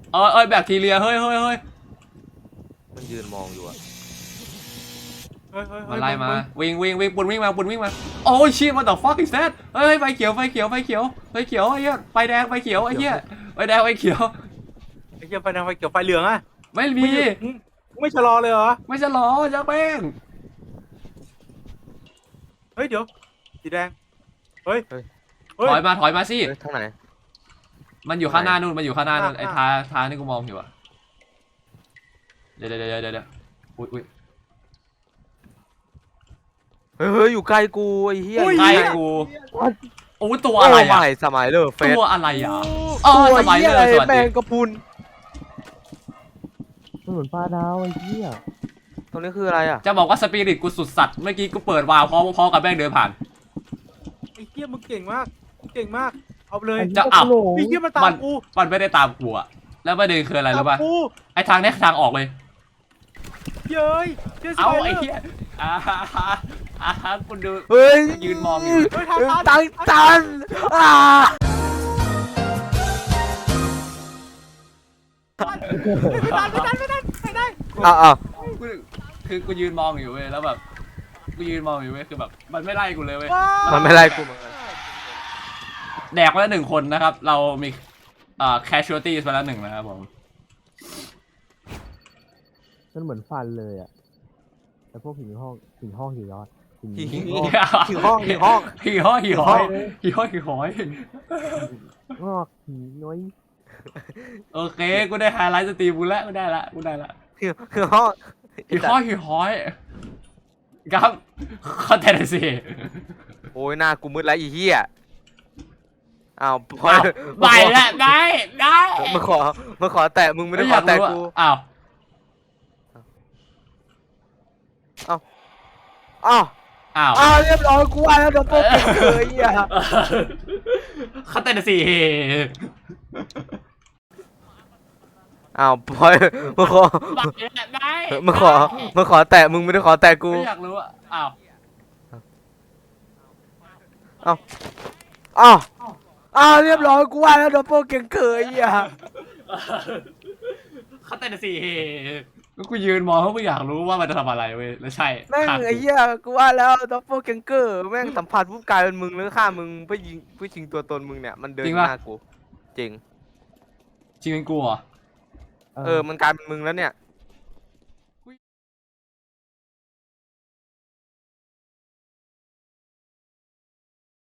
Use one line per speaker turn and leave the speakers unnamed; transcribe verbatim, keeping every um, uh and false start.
เออเอ้ยแบคทีเรียเฮ้ยเฮ้ยเฮ้ย
มันยืนมองอยู่อะ
มาไล่มาวิ่งวิ่งวิ่งปุ่นวิ่งมาปุ่นวิ่งมาโอ้ยชิมันต่อ fuck is that เฮ้ยไฟเขียวไฟเขียวไฟเขียวไฟเขียวไอ้เหี้ยไฟแดงไฟเขียวไอ้เหี้ยไฟแดงไฟเขียว
ไอ้เหี้ยไฟแดงไฟเขียวไฟเหลืองอะ
ไม่มี
ไม่ชะลอเลยเหรอ
ไม่จะหรอจักแป้ง
เฮ้ยเดี๋ยวสีแดงเฮ้ย
ถอยมาถอยมาสิ
ทางไหน
มันอยู่ข้างหน้านู่นมันอยู่ข้างหน้านู่นไอ้ทาทานี่กูมองอยู่อะเดี๋ยวเดี๋ยวเดี๋ยวเดี๋ยวอุ้ยอุ้ย
เฮ้ยอยู่ใกล้กูไอ้เหี้ย
ใกล้กูโอ้ตัวอะไรอะ
สมัยเลยเฟส
ตัวอะไรอะอ๋อสมัยเลยสวัสดี
แมงกะพุน
เหมือนปลาดาวไอ้เหี้ย
ตรงนี้คืออะไรอ่ะ
จะบอกว่าสปิริตกูสุดสัตว์เมื่อกี้กูเปิดวาล์วพอพอกับแม่งเดินผ่าน
ไอ้เหี้ยมึงเก่งมากเก่งมากเอาไปเลย
จะเอา
ไอ้เหี้ยมันตามกู
มันไม่ได้ตามกูอะแล้วประเด็นคืออะไรรู้ป่ะไอ้ทางนี้ทางออกเลย
เย้ย
เอาไอ้เหี้ยอ่าอ่าคุณดู
เฮ้ย
ยืนมองอยู่
ตันตันอ่า
ไม่ได้ไม่ได้ไม่ได้ไม่ได้
อ้าว
คือกูยืนมองอยู่เว้ยแล้วแบบกูยืนมองอยู่เว้ยคือแบบมันไม่ไล่กูเลยเว้ย
มันไม่ไล่กูเหมือนกัน
แดกไปแล้วหนึ่งคนนะครับเรามีอ่า casualties ไปแล้วหนึ่งนะครับผม
มันเหมือนฟันเลยอ่ะแต่พวกหินห้องหินห้องหินยอด
หินห้องหินห้อง
หินห้องหินห้องหินห้องหินห้องหิน
งอกหินน้อย
โอเคกูได้ไฮไลท์สตรีมกูแล้วกูได้ละกูได้ละ
หินห้อง
หินห้องหินห้องครับเข้าใจเลยสิ
โอ้ยหน้ากูมืดแล้วอีเหี้ยอ้าวพอ
ไปละได้ได้
มาขอมาขอแตะมึงไม่ได้ขอแตะกู
อ้าว
อ้าวอ้าว
อ้าว
อ้าวเรียบร้อยกูว่าแล้วโดนโป๊กเลยอ่ะ
เข้าใจเลยสิ
อ้าวพอยมาขอมาขอมาขอแตะมึงไม่ได้ขอแตะกู
ไม่อยากรู้อ่ะอ้าว
อ้าวอ้าวอ้าวเรียบร้อยกูว่าแล้วโดนโป๊กเก่งเกยอ่ะ
เข้าใจเลยสิก็กูยืนมองเพราะกูอยากรู้ว่ามันจะทำอะไรเว้ยแล้วใช่
แม่งไอ้เหี้ยกูว่าแล้วโดนโป๊กเก่งเกอร์แม่งสัมผัสผู้กลายเป็นมึงแล้วฆ่ามึงเพื่อยิงเพื่อชิงตัวตนมึงเนี่ยมันเดินหน้ากูจริง
จริงเป็นกูเหรอ
เออมันกลายเป็นมึงแล้วเนี่ย